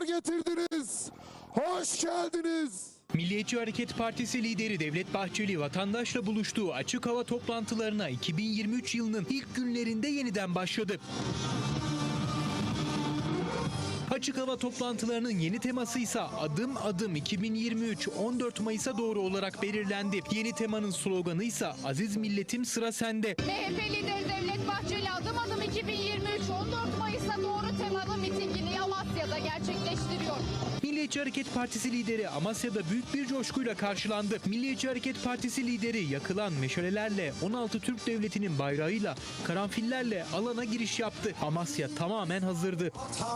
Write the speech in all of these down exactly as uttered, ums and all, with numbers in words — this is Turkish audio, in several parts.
getirdiniz. Hoş geldiniz. Milliyetçi Hareket Partisi lideri Devlet Bahçeli vatandaşla buluştuğu açık hava toplantılarına iki bin yirmi üç yılının ilk günlerinde yeniden başladı. Açık hava toplantılarının yeni teması ise adım adım iki bin yirmi üç on dört Mayıs'a doğru olarak belirlendi. Yeni temanın sloganı ise Aziz Milletim Sıra Sende. M H P lideri Devlet Bahçeli adım adım iki bin yirmi üç on dört Mayıs'a doğru temalı mitingini Amasya'da gerçekleştiriyor. Milliyetçi Hareket Partisi lideri Amasya'da büyük bir coşkuyla karşılandı. Milliyetçi Hareket Partisi lideri yakılan meşalelerle on altı Türk Devleti'nin bayrağıyla karanfillerle alana giriş yaptı. Amasya tamamen hazırdı.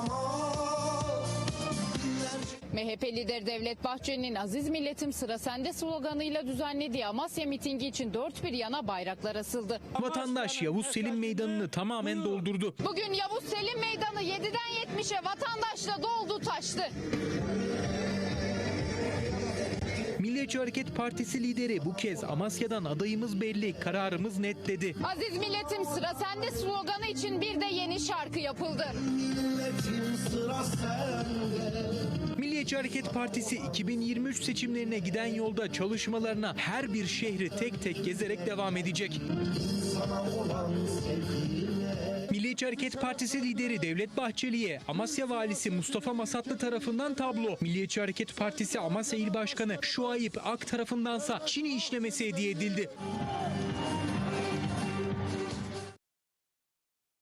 M H P lideri Devlet Bahçeli'nin Aziz Milletim Sıra Sende sloganıyla düzenlediği Amasya mitingi için dört bir yana bayraklar asıldı. Vatandaş Yavuz Selim Meydanı'nı tamamen doldurdu. Bugün Yavuz Selim Meydanı yediden yetmişe vatandaşla doldu taştı. Milliyetçi Hareket Partisi lideri bu kez Amasya'dan adayımız belli, kararımız net dedi. Aziz Milletim Sıra Sende sloganı için bir de yeni şarkı yapıldı. Milliyetçi Hareket Partisi iki bin yirmi üç seçimlerine giden yolda çalışmalarına her bir şehri tek tek gezerek devam edecek. Milliyetçi Hareket Partisi lideri Devlet Bahçeli'ye Amasya Valisi Mustafa Masatlı tarafından tablo, Milliyetçi Hareket Partisi Amasya İl Başkanı Şuayip Ak tarafındansa Çini işlemesi hediye edildi.